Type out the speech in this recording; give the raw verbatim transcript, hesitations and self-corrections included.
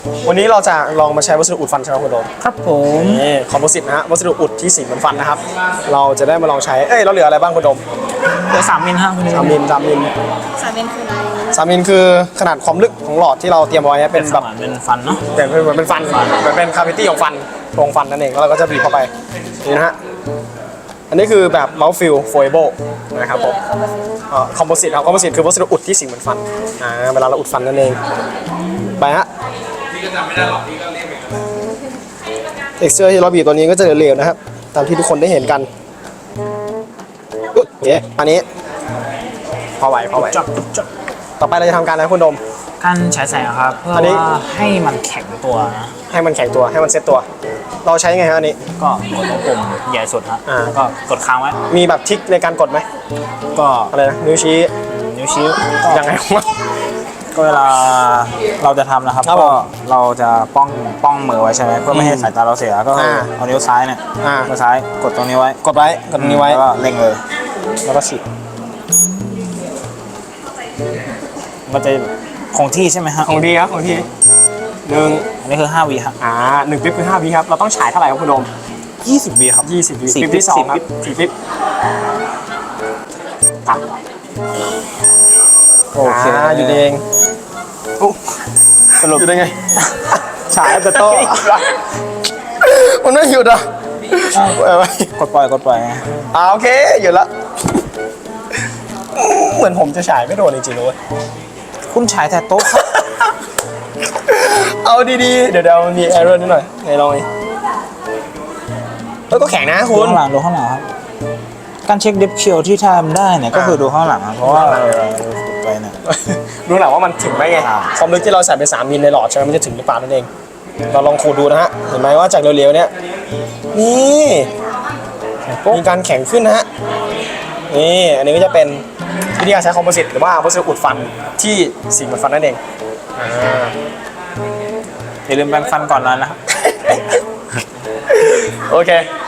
วันนี้เราจะลองมาใช้วัสดุอุดฟันใช่ไหมคุณโดมครับผมนี่คอมโพสิตนะฮะวัสดุอุดที่สีเหมือนฟันนะครับเราจะได้มาลองใช้เอ้ยเราเหลืออะไรบ้างคุณโดมเหลือสามมิลฮะคุณสามมิลสามมิลสามเป็นคืออะไรสามมิลคือขนาดความลึกของหลอดที่เราเตรียมไว้เป็นแบบเป็นฟันเนาะแต่เป็นเหมือนเป็นฟันเหมือนเป็นคาวิตี้ของฟันโพรงฟันนั่นเองแล้วเราก็จะบีบเข้าไปนี่นะฮะอันนี้คือแบบเมาส์ฟิลโฟเอเบิลนะครับผมคอมโพสิตครับคอมโพสิตคือวัสดุอุดที่สีเหมือนฟันอ่าเวลาเราอุดฟันนั่นเองไปฮะเท็กซ์เจอร์ที่เราบีบตัวนี้ก็จะเหลวๆนะครับตามที่ทุกคนได้เห็นกันอุ๊ยโอเคอันนี้พอไหวพอไหวจับจับต่อไปเราจะทำการอะไรคุณโดมการใช้แสงครับเพื่ออันนี้ว่าให้มันแข็งตัวนะให้มันแข็งตัวให้มันเซ็ตตัว เราใช้ไงฮะอันนี้ก็กดตรงปุ่มใหญ่สุดฮะอ่าแล้วก็กดค้างไว้มีแบบทริคในการกดไหมก็อะไรนะนิ้วชี้นิ้วชี้ยังไงวะก็เวลาเราจะทำนะครับครับผมก็เราจะป้องป้องมือไว้ใช่ไหมเพื่อไม่ให้สายตาเราเสียก็คืออ่าเอานิ้วซ้ายเนี่ยอ่ามือซ้ายกดตรงนี้ไว้กดไว้กดตรงนี้ไว้แล้วก็เล็งเลยแล้วก็ฉีดมันจะคงที่ใช่ไหมฮะของดีครับของดีหนึ่งอันนี้คือห้าวิครับอ่าหนึ่งปิ๊บคือห้าวิครับเราต้องฉายเท่าไหร่ครับคุณโดมยี่สิบวิครับยี่สิบวิสี่ปิ๊บปิ๊บที่สองสี่ครับปิ๊บสี่ปิ๊บตัดโอเคาอยู่ดีเองอุ๊ยสรุปอยู่ได้ไงฉายแต่โต้มันไม่หยุดอ่ะเอาไว้กดปล่อยกดปล่อยอ่าโอเคหยุดละเหมือนผมจะฉายไม่โดนจริงๆเลยคุณฉายแต่โต๊ะครับเอาดีๆ เดี๋ยวเดี๋ยวมันมีแอร์เรอร์นิดหน่อยไหนลองดิเฮ้ยก็แข็งนะดูคุณข้างหลังดูข้างหลังครับ การเช็คเดฟเชียลที่ทำได้เนี่ยก็คือดูข้างหลังครับเพราะว่าเออฝึกไปเนี่ยดูหลังว่ามันถึงไหมไงอ่าความลึกที่เราใส่ไปสามมิลในหลอดใช่ไหมมันจะถึงหรือเปล่านั่นเอง เราลองขูดดูนะฮะ เห็นไหมว่าจากเร็วๆเนี่ย นี่มีการแข็งขึ้นนะฮะ นี่ อันนี้ก็จะเป็นวิธีการใช้คอมโพสิตหรือว่าวัสดุอุดฟันที่สีเหมือนฟันนั่นเองอ่าอย่าลืมแปรงฟันก่อนนอนนะครับโอเค